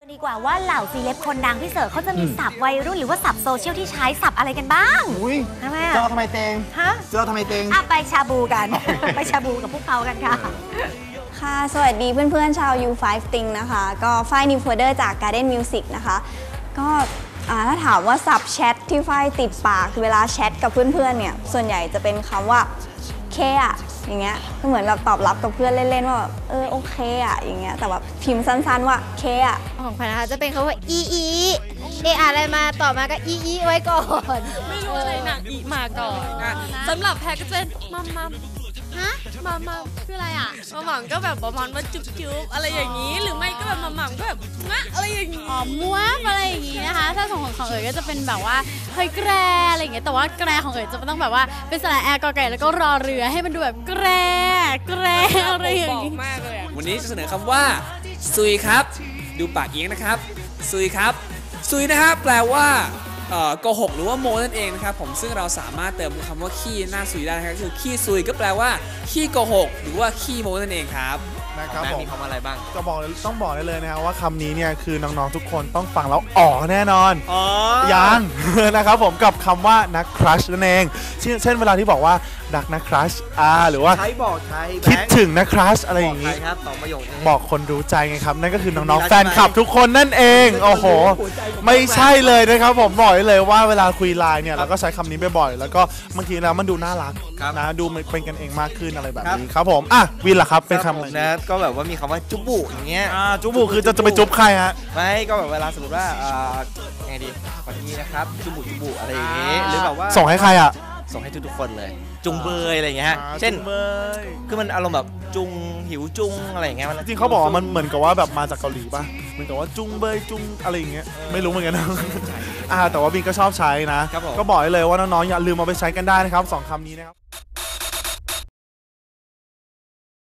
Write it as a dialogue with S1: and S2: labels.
S1: ดีกว่าว่าเหล่าซีเลบคนดังพี่เสิร์ชเขาจะมีศัพท์วัยรุ่นหรือว่าศัพท์โซเชียลที่ใช้ศัพท์อะไรกันบ้าง
S2: ทำไมเจอทำไมเตง
S1: ฮะ
S2: เจอทำไมเตง
S1: ไปชาบูกัน ไปชาบูกับพวกเขากันค่ะ
S3: ค่ะสวัสดีเพื่อนๆชาว U5 Thing นะคะก็ฝ้ายนิวโฟเดอร์จาก Garden Music นะคะก็ถ้าถามว่าศัพท์แชทที่ฝ้ายติดปากเวลาแชทกับเพื่อนๆเนี่ยส่วนใหญ่จะเป็นคำว่าเคอะอย่างเงี้ยก็เหมือนแบบตอบรับกับเพื่อนเล่นๆว่าแบบโอเคอะอย่างเงี้ยแต่แบบพิมพ์สั้นๆว่าเคอะ
S4: ของขวัญนะคะจะเป็นคำว่าอีอะไรมาต่อมาก็อีไว้ก่อน
S5: ไม่รู้อะไรหนักอีมาก่อนสำหรับแพรก็จะเป็นมัมฮะมัมคืออะไรอ่ะมัมก็แบบประมาณว่าจุ๊บอะไรอย่างนี้หรือไม่ก็แบบมัมก็แบบงะอะไรอย่างนี้
S4: ม้วอะไรอย่างนี้นะคะถ้าของเอ๋ยก็จะเป็นแบบว่าเฮ้ยแกรอะไรอย่างเงี้ยแต่ว่าแกรของเอ๋ยจะต้องแบบว่าเป็นสระแอร์กอไก่แล้วก็รอเรือให้มันดูแบบแกรอะไรอย่างนี้
S5: มากเลย
S6: วันนี้จะเสนอคำว่าซุยครับดูปากเอียงนะครับซุยครับซุยนะครับแปลว่าโกหกหรือว่าโมนั่นเองนะครับผมซึ่งเราสามารถเติมคำว่าขี้หน้าซุยได้นะครับคือขี้ซุยก็แปลว่าขี้โกหกหรือว่าขี้โมนั่นเองครับ
S2: นะครับผม
S6: มีคำอะไรบ้าง
S2: ก็ต้องบอกได้เลยนะครับว่าคำนี้เนี่ยคือน้องๆทุกคนต้องฟังแล้วอ๋อแน่นอนยัง นะครับผมกับคำว่านักครัชนั่นเองเช่นเวลาที่บอกว่ารักนักครัชหรือว่า
S7: ใช้บอกใช้
S2: คิดถึงนักครัชอะไรอย่างนี้
S7: ครับสองประโยคนี้
S2: บอกคนรู้ใจไงครับนั่นก็คือน้องๆแฟนคลับทุกคนนั่นเองโอ้โหไม่ใช่เลยนะครับผมบอกเลยว่าเวลาคุยไลน์เนี่ยเราก็ใช้คำนี้บ่อยๆแล้วก็บางทีแล้วมันดูน่ารักนะดูเป็นกันเองมากขึ้นอะไรแบบนี้ครับผมวินล่ะครับเป็นคำอะไร
S7: นะก็แบบว่ามีคำว่าจุบุอย่างเงี้ย
S2: จุบุคือจะไปจุบใครฮะ
S7: ไม่ก็แบบเวลาสมมติว่าไงดีขอทีนะครับจุบุอะไรอย่างงี้หรือแบบว่า
S2: ส่งให้ใครอ่ะ
S7: ส่งให้ทุกๆคนเลยจุงเบยอะไรอย่างเงี้ยเช่นคือมันอารมณ์แบบจุงหิวจุงอะไรอย่างเงี้ย
S2: จริงเขาบอกว่ามันเหมือนกับว่าแบบมาจากเกาหลีป่ะเหมือนกับว่าจุงเบยจุงอะไรอย่างเงี้ยไม่รู้เหมือนกันนะแต่ว่าบินก็ชอบใช้นะก็บอกเลยว่าน้องๆอย่าลืมเอาไปใช้กันได้นะครับ2คำนี้นะครับ